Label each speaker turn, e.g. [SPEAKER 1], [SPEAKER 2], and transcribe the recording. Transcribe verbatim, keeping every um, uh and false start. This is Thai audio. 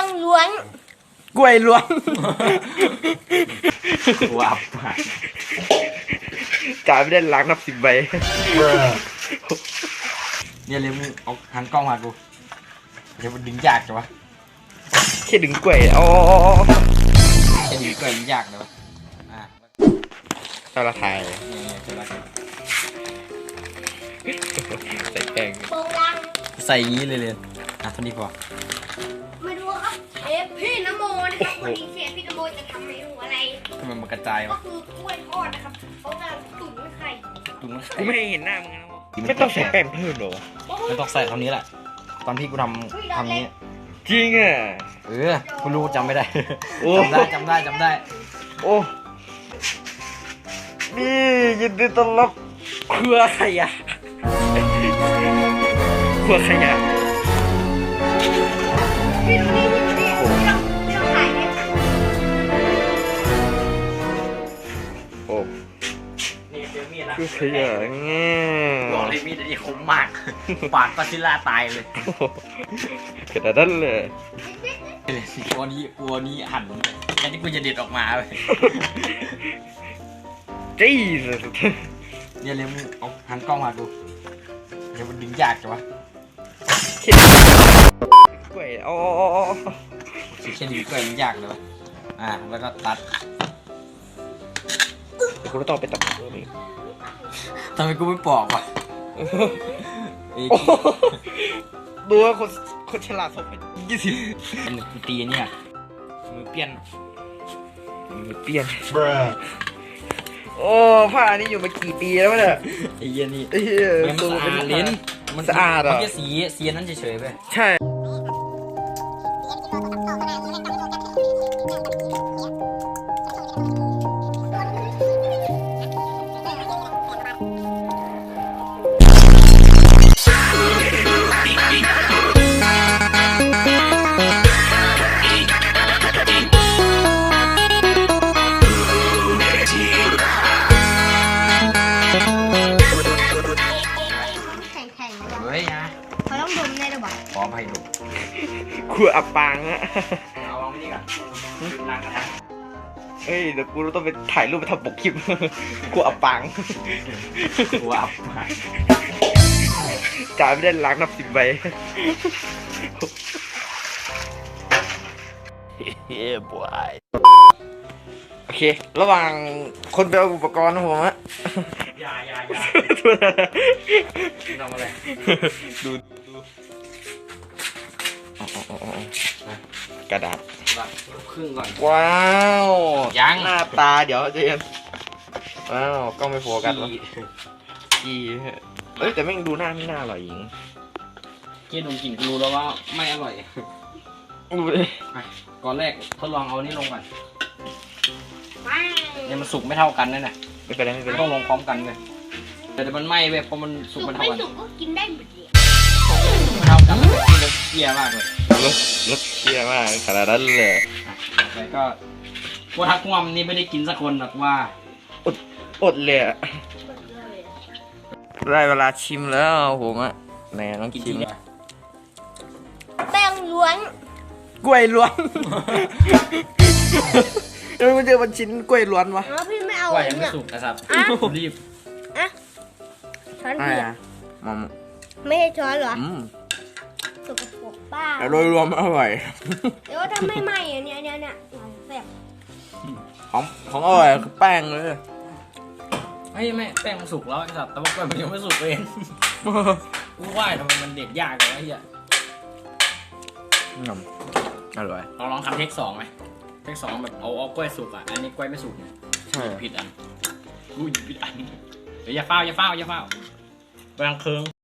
[SPEAKER 1] งล้วน
[SPEAKER 2] กล้วยล้วน
[SPEAKER 3] ว้าว
[SPEAKER 2] จ่ายไม่ได้ล้างนับสิบใบ
[SPEAKER 3] เนี่ยเลยมึงเอาหันกล้องมากูเดี๋ยวมันดึงยากจังวะ
[SPEAKER 2] แค่ดึงกล้วยอ๋อ
[SPEAKER 3] แค่ดึงกล้วยมันยากเลยวะอ่ะ
[SPEAKER 2] เราละทาย
[SPEAKER 3] เนี่ยใช่ไหม
[SPEAKER 2] ใส่แป้ง
[SPEAKER 3] ใส่ยี้เลยเลยอ่ะเท่านี้พอ
[SPEAKER 1] มาดูครับเชฟพี่นโมนะครับวันนี้เชฟพี่นโมจะทำเมนูอะไร
[SPEAKER 3] ทำไมมันกระจายวะ
[SPEAKER 1] ก็คือกล้วยทอดนะครับเขาจะตุ๋นไข่
[SPEAKER 3] ตุ๋นไข่
[SPEAKER 2] กูไม่เห็นหน้ามึงนะไม่ต้องใส่แป้งเพิ่มหรอ
[SPEAKER 3] ไม่ต้องใส่เท่านี้แหละตอนพี่กูทำทำนี้
[SPEAKER 2] จริงอ่ะ
[SPEAKER 3] เออกูรู้จำไม่ได้จำได้จำได้จำได้
[SPEAKER 2] โอ้นี่ยินดีต้อนรับครัวขยะครัวขยะ
[SPEAKER 1] พี่ดูนี่พี่ดูนี่พี่ต้องถ่ายเนี่ย
[SPEAKER 2] โอ้
[SPEAKER 3] นี่เจอมีดนะ
[SPEAKER 2] ครัวขยะเงี้ย
[SPEAKER 3] บอกเลยมีดนี่คมมากปากก็ซิล่าตายเลย
[SPEAKER 2] ขนาดนั้นเลย
[SPEAKER 3] กลัวนี้กลัวนี้หั่นแค่ที่กูจะเด็ดออกมาเลย
[SPEAKER 2] จี้
[SPEAKER 3] เนี่ยเลยมึงเอาหันกล้องมาดูเดี๋ยวมันดึงยากจังวะ
[SPEAKER 2] กล้วยอ๋อ
[SPEAKER 3] แค่ดึงกล้วยมันยากเลยวะอ่ะแล้วก็ตัด
[SPEAKER 2] เดี๋ยวกูต้องไปตัดตัวนี้
[SPEAKER 3] ทำไมกูไม่ปอกวะ
[SPEAKER 2] ดูว่าคนคนฉลาดสมเป็นยี่สิบ
[SPEAKER 3] กูตีเนี่ยมือเปี้ยน
[SPEAKER 2] มือเปี้ยนโอ้ผ้านี่อยู่มากี่ปีแล้วเนี่ย
[SPEAKER 3] ไอ้เหี้ยนี่
[SPEAKER 2] มัน
[SPEAKER 3] สะอาดลิ้น
[SPEAKER 2] มันสะอาดอ่ะ
[SPEAKER 3] มันแค่สีสีนั้นเฉยๆไป
[SPEAKER 2] ใช่
[SPEAKER 1] เขาต้องดมในระบบ
[SPEAKER 3] ขออภัยดู
[SPEAKER 2] ครัวอับปางอะ
[SPEAKER 3] เอาลองนี่ก่อนล้างกระทะ
[SPEAKER 2] เฮ้ยเดี๋ยวกูต้องไปถ่ายรูปไปทำปกคลิปครัวอับปาง
[SPEAKER 3] ครัวอับปาง
[SPEAKER 2] จ่ายไม่ได้ล้างนับสิบใบเฮ้ยบอยโอเคระหว่างคนไปเอาอุปกรณ์นะผมอะ
[SPEAKER 3] อย่าอย่าอย่าทำอะไร
[SPEAKER 2] ดูดูกระดาษ
[SPEAKER 3] ครึ่งก่อน
[SPEAKER 2] ว้าว
[SPEAKER 3] ยัง
[SPEAKER 2] หน้าตาเดี๋ยวจะว้าวกล้องไม่โฟกัสหรอกี่เอ้ยแต่ไม่ดูหน้าไม่น่าอร่อยหญิง
[SPEAKER 3] เกี่ยดมกลิ่นกูรู้แล้วว่าไม่อร่อย
[SPEAKER 2] ดูเลย
[SPEAKER 3] ก่อนแรกทดลองเอานี่ลงก่อนเนี่ยมันสุกไม่เท่ากันนั่นแหละ
[SPEAKER 2] ไม่เป็นไรไม่เป็นไร
[SPEAKER 3] ต้องลงพร้อมกันเลยแต่มันไหม้เว้ยเพราะมันสุกไม่เท่ากัน
[SPEAKER 1] สุกก็กินได้หมดเลย
[SPEAKER 3] ไม่เท่ากันมันกินแล้วเกลียมากเลย
[SPEAKER 2] รสรสเกลียมากขนาดนั้นเลย
[SPEAKER 3] แต่ก็ว่าทักงอมนี่ไม่ได้กินสักคนหรอกว่า
[SPEAKER 2] อดอดเลยได้เวลาชิมแล้วผมอะแหนต้องชิม
[SPEAKER 1] แป้งล้วน
[SPEAKER 2] กล้วยล้วนแล้วมันเจอมันชิ้นกล้วยล้วนวะ
[SPEAKER 1] พี่ไม่เอา
[SPEAKER 3] กล้วยยังไม่สุกนะครับรีบ
[SPEAKER 1] อ่ะช้อนเปียก
[SPEAKER 2] มัม
[SPEAKER 1] ไม่ใช่ช้อนเหรอสุกปรกป้า
[SPEAKER 2] แต่โดยรวมอร่อย
[SPEAKER 1] เดี๋ยวถ้าไม่ไหม้อันนี้เนี่ยเนี่ยแซ่บ
[SPEAKER 2] ของของอร่อยคือแป้งเลย
[SPEAKER 3] ไม่ไม่แป้งมันสุกแล้วครับแต่ว่ากล้วยมันยังไม่สุกเองกูว่าทำไมมันเด็ดยากเลยไอ้เหี้ย
[SPEAKER 2] อร่อย
[SPEAKER 3] ลองลองทำเทคสองไหมเทคสองแบบเอาเอากล้วยสุกอ่ะอันนี้กล้วยไม่สุก
[SPEAKER 2] ใช่
[SPEAKER 3] ผิดอันกูผิดอันเดี๋ยวอย่าเฝ้าอย่าเฝ้าอย่าเฝ้าไปทางเคือง